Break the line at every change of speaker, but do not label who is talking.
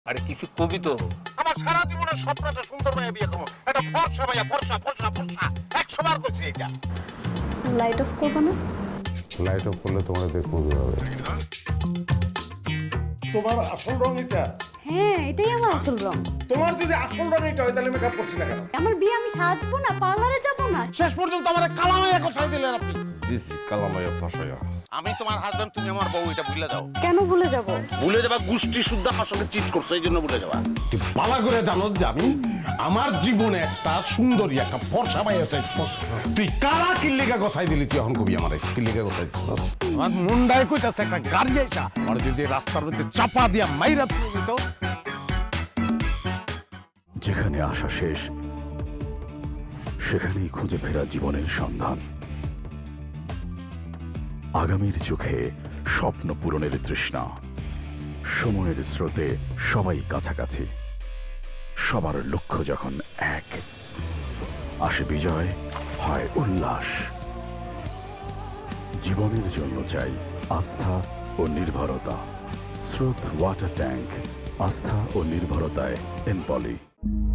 আরে কিছু কবি তো।
আমার সারা জীবনের স্বপ্নটা সুন্দর ভাইয়া বিয়ে করবো, একটা ফর্সা ভাইয়া, ফর্সা ফর্সা ফর্সা 100 বার করছি এটা।
লাইট অফ করবো না?
লাইট অফ করলে তোমরা দেখবো কিভাবে?
তোমার আসল রং এটা?
হ্যাঁ, এটাই আমার আসল রং।
তোমার যদি আসল রং এটা হয় তাহলে মেকআপ করছি না কেন?
আমার বিয়ে, আমি সাজবো না, পার্লারে যাবো না।
শেষ পর্যন্ত আমার কালামাইয়া কোথায় দিলেন আপনি?
জিস কালামাইয়া ফাঁসাইয়া।
আমি তোমার হাজবেন্ড, তুমি আমার বউ, এটা ভুলে যাও।
কেন ভুলে যাবো?
ভুলে যাবা গোষ্ঠী শুদ্ধ আমার সঙ্গে চিট করছো, এই জন্য ভুলে যাবা।
তুই পালা করে জানো যে আমি আমার জীবনে একটা সুন্দরী একটা ফর্সা পাই আছে। তুই কারা কিল্লিকা কথাই দিলি? তুই এখন কবি আমার কিল্লিকা কথাই দিচ্ছিস? আমার মুন্ডায় কইতাছে একটা গাড়ি আইতা আর যদি রাস্তার মধ্যে চাপা দিয়া মাইরা তুলে দিত।
যেখানে আশা শেষ সেখানেই খুঁজে ফেরা জীবনের সন্ধান। আগামীর চোখে স্বপ্ন পূরণের তৃষ্ণা। সময়ের স্রোতে সবাই কাছাকাছি, সবার লক্ষ্য যখন এক, আসে বিজয়, হয় উল্লাস। জীবনের জন্য চাই আস্থা ও নির্ভরতা। স্রোত ওয়াটার ট্যাঙ্ক, আস্থা ও নির্ভরতায় এনপলি।